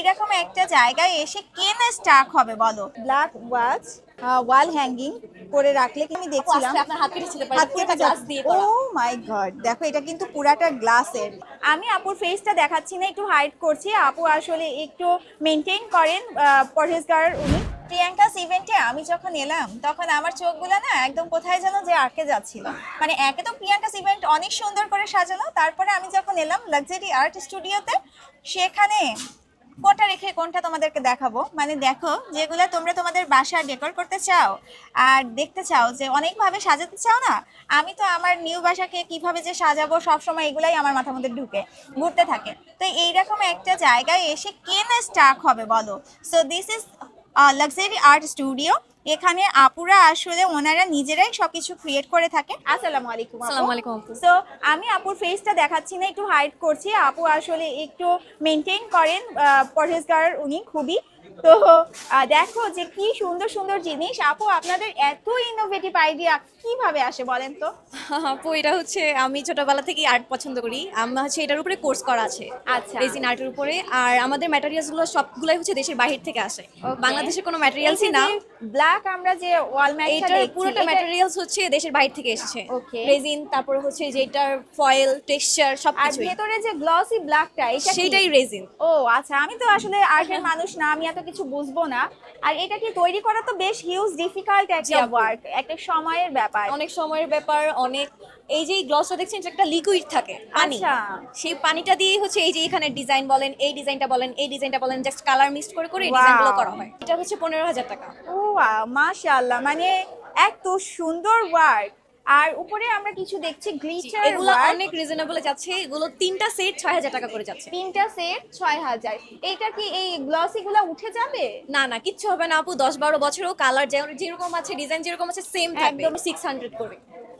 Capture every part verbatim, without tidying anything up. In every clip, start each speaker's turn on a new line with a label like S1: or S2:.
S1: এইরকম একটা জায়গায় এসে কে না স্টাক হবে বলো। ব্ল্যাক ওয়াচ ওয়াল হ্যাঙ্গিং করে রাখলে কি আমি দেখছিলাম
S2: আপনার হাত কেটে ছিল
S1: হাত কেটে
S2: গ্লাস দিয়ে
S1: ও
S2: করা।
S1: মাই গড, দেখো এটা কিন্তু পুরাটা গ্লাসের। আমি আপুর ফেসটা দেখাচ্ছি না, একটু হাইড করছি। আপু আসলে একটু মেনটেন করেন, পরহেজগার উনি। প্রিয়াঙ্কাস ইভেন্টে আমি যখন এলাম তখন আমার চোখগুলো না একদম কোথায় যেন যে আটকে যাচ্ছিল। মানে একে তো প্রিয়াঙ্কাস ইভেন্ট অনেক সুন্দর করে সাজানো, তারপরে আমি যখন এলাম লাক্সারি আর্ট স্টুডিওতে, সেখানে কোনটা রেখে কোনটা তোমাদেরকে দেখাবো। মানে দেখো, যেগুলো তোমরা তোমাদের বাসা ডেকোর করতে চাও আর দেখতে চাও যে অনেকভাবে সাজাতে চাও না, আমি তো আমার নিউ বাসাকে কিভাবে যে সাজাবো সবসময় এগুলাই আমার মাথার মধ্যে ঢুকে ঘুরতে থাকে। তো এইরকম একটা জায়গায় এসে কে না স্টাক হবে বলো। So this is luxury art studio. এখানে আপুরা আসলে ওনারা নিজেরাই সবকিছু ক্রিয়েট করে থাকে। আসসালামু আলাইকুম।
S2: আসসালামু আলাইকুম আপু।
S1: সো আমি আপুর ফেসটা দেখাচ্ছি না, একটু হাইড করছি। আপু আসলে একটু মেনটেন করেন, পরহেজগার উনি খুবই। তো আহ, দেখো যে কি সুন্দর সুন্দর জিনিস। আপু আপনাদের এত ইনোভেটিভ আইডিয়া কিভাবে আসে বলেন তো?
S2: আপু এটা হচ্ছে আমি ছোটবেলা থেকেই আর্ট পছন্দ করি। আমার হচ্ছে এটার উপরে কোর্স করা আছে,
S1: আচ্ছা।
S2: রেজিন আর্টের উপরে। আর আমাদের ম্যাটেরিয়ালস গুলো সবগুলাই হচ্ছে দেশের বাইরে থেকে আসে,
S1: Okay.
S2: বাংলাদেশের কোনো ম্যাটেরিয়ালসই না।
S1: ব্ল্যাক আমরা যে ওয়াল ম্যাটটা
S2: এইটার
S1: দেখছি
S2: পুরোটা
S1: এটা-
S2: ম্যাটেরিয়ালস হচ্ছে দেশের বাইরে থেকে এসেছে।
S1: Okay.
S2: রেজিন, তারপরে হচ্ছে যেটার ফয়েল, টেক্সচার
S1: আর
S2: সবকিছুই
S1: ভেতরে যে গ্লসি ব্ল্যাকটা এটা কি?
S2: সেইটাই রেজিন।
S1: ও আচ্ছা, আমি তো আসলে আর্টের মানুষ না, আমি এত কিছু বুঝবো না। আর এটা কি তৈরি করা তো বেশ হিউজ ডিফিকাল্ট একটা
S2: আপু।
S1: ওয়ার্ক, একটা সময়ের ব্যাপার।
S2: অনেক সময়ের ব্যাপার, অনেক। এই যে গ্লসটা দেখছেন এটা একটা লিকুইড থাকে, পানি।
S1: আচ্ছা।
S2: সেই পানিটা দিয়েই হচ্ছে এই যে এখানে ডিজাইন বলেন, এই ডিজাইনটা বলেন, এই ডিজাইনটা বলেন, জাস্ট কালার মিক্স করে করে ডিজাইনগুলো
S1: Wow.
S2: করা হয়। এটা হচ্ছে পনেরো হাজার টাকা।
S1: ও মাশাআল্লাহ, মানে এত সুন্দর ওয়ার্ক। আর উপরে আমরা কিছু দেখছি গ্লিটার
S2: এগুলো
S1: ওয়ার্ক।
S2: অনেক রিজনেবল যাচ্ছে, এগুলো তিনটা সেট ছয় হাজার টাকা করে যাচ্ছে।
S1: তিনটা সেট ছয় হাজার। এইটা কি এই গ্লসি গুলা উঠে যাবে?
S2: না না, কিচ্ছু হবে না আপু। দশ বারো বছরও কালার যেরকম আছে, ডিজাইন যেরকম আছে সেম থাকবে।
S1: একদম।
S2: সিক্স হান্ড্রেড করে।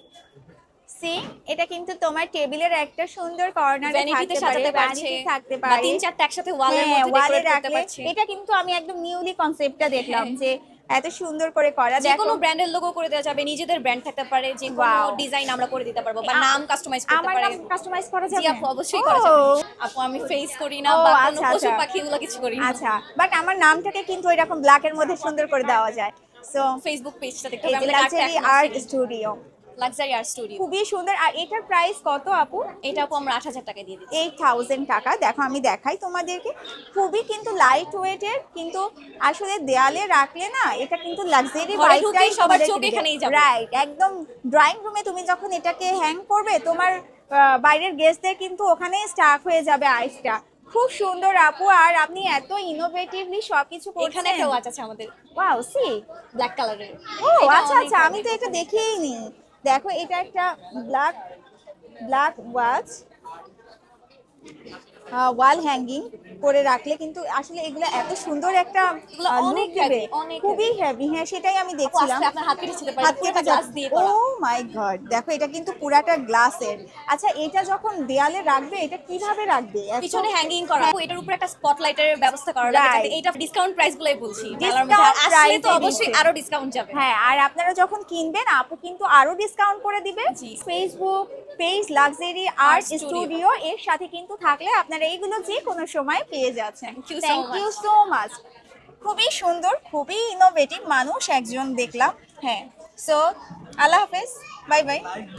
S1: সি, এটা কিন্তু তোমার টেবিলের একটা সুন্দর কর্নারে
S2: ভ্যানিটিতে
S1: থাকতে পারে,
S2: সাজাতে পারছে,
S1: ভ্যানিটি থাকতে
S2: বা
S1: পারে।
S2: তিন চারটা একসাথে ওয়ালের
S1: হ্যাঁ,
S2: মধ্যে
S1: ওয়ালে
S2: ডেকোরেট করতে
S1: রাখলে।
S2: পারছে।
S1: এটা কিন্তু আমি একদম নিউলি কনসেপ্টটা দেখলাম যে এত সুন্দর করে করা।
S2: যে
S1: দেখো
S2: কোনো ব্র্যান্ডের লোগো করে দেওয়া যাবে, নিজেদের ব্র্যান্ড থাকতে পারে, যে কোনো
S1: Wow.
S2: ডিজাইন আমরা করে দিতে পারবো, বা
S1: আ-
S2: নাম কাস্টমাইজ করতে
S1: আমার
S2: পারে।
S1: নাম কাস্টমাইজ করা
S2: জি
S1: যাবে?
S2: আপু, অবশ্যই করা যাবে।
S1: ও,
S2: আপু আমি ফেস করি না
S1: ও,
S2: বা কোনো
S1: আচ্ছা,
S2: পশু
S1: আচ্ছা।
S2: পাখি এগুলো কিছু করি না।
S1: আচ্ছা, বাট আমার নামটাকে কিন্তু এরকম ব্ল্যাকের মধ্যে সুন্দর করে দেওয়া যায়। সো
S2: ফেসবুক পেজটা দেখতে
S1: এই
S2: হবে,
S1: যে
S2: আমাদের
S1: luxury art studio
S2: luxury art studio.
S1: খুবই সুন্দর। আর এটার প্রাইস কত আপু?
S2: এটা আপু আমরা আট হাজার টাকা দিয়ে দিচ্ছি।
S1: এইট থাউজেন্ড টাকা। দেখো আমি দেখাই তোমাদেরকে, খুবই কিন্তু লাইট ওয়েটের, কিন্তু আসলে দেয়ালে রাখলে না এটা কিন্তু লাক্সারি
S2: ঘরে ঢুকেই সবার চোখ এখানেই যাবে।
S1: রাইট, একদম ড্রয়িং রুমে তুমি যখন এটাকে হ্যাং করবে, তোমার আহ, বাইরের গেস্টদের কিন্তু ওখানেই স্টাক হয়ে যাবে আইসটা। খুব সুন্দর আপু, আর আপনি এত ইনোভেটিভলি সবকিছু
S2: এখানে
S1: করছেন।
S2: একটা ওয়াচ আছে আমাদের,
S1: ওয়াও, সি।
S2: ব্ল্যাক কালারের।
S1: ও আচ্ছা আচ্ছা, আমি তো এটা দেখিই নি। দেখো এটা একটা black black watch wall hanging করে রাখলে কিন্তু আসলে এগুলো এত সুন্দর একটা
S2: এগুলো
S1: আহ,
S2: অনেক
S1: look দেবে।
S2: heavy, অনেক
S1: খুবই হেভি। হ্যাঁ, সেটাই আমি
S2: আপু
S1: দেখছিলাম।
S2: আস্তে, আপনার হাত কেটে ছিল
S1: হাত কেটে
S2: গ্লাস দিয়ে
S1: ও
S2: করা।
S1: মাই গড, দেখো এটা কিন্তু পুরাটা গ্লাসের। আচ্ছা, এটা যখন দেয়ালে রাখবে এটা কিভাবে রাখবে? এত-
S2: পিছনে হ্যাঙ্গিং করা, আপু এটার উপরে একটা স্পটলাইটের ব্যবস্থা করা লাগে, যাতে
S1: Right.
S2: এটা ডিসকাউন্ট প্রাইস গুলাই বলছি।
S1: Discount
S2: মেলার মধ্যে আসলে
S1: price
S2: তো
S1: এ
S2: অবশ্যই
S1: দিচ্ছে।
S2: আরো ডিসকাউন্ট যাবে।
S1: হ্যাঁ, আর আপনারা যখন কিনবেন আপু কিন্তু আরো ডিসকাউন্ট করে দিবে।
S2: জি।
S1: Facebook page luxury art studio এর সাথে কিন্তু থাকলে আপনারা এইগুলো যে কোনো সময় পেয়ে যাচ্ছেন।
S2: Thank you so
S1: thank you so much. খুবই সুন্দর, খুবই ইনোভেটিভ মানুষ একজন দেখলাম। হ্যাঁ, সো আল্লাহ হাফেজ, বাই বাই।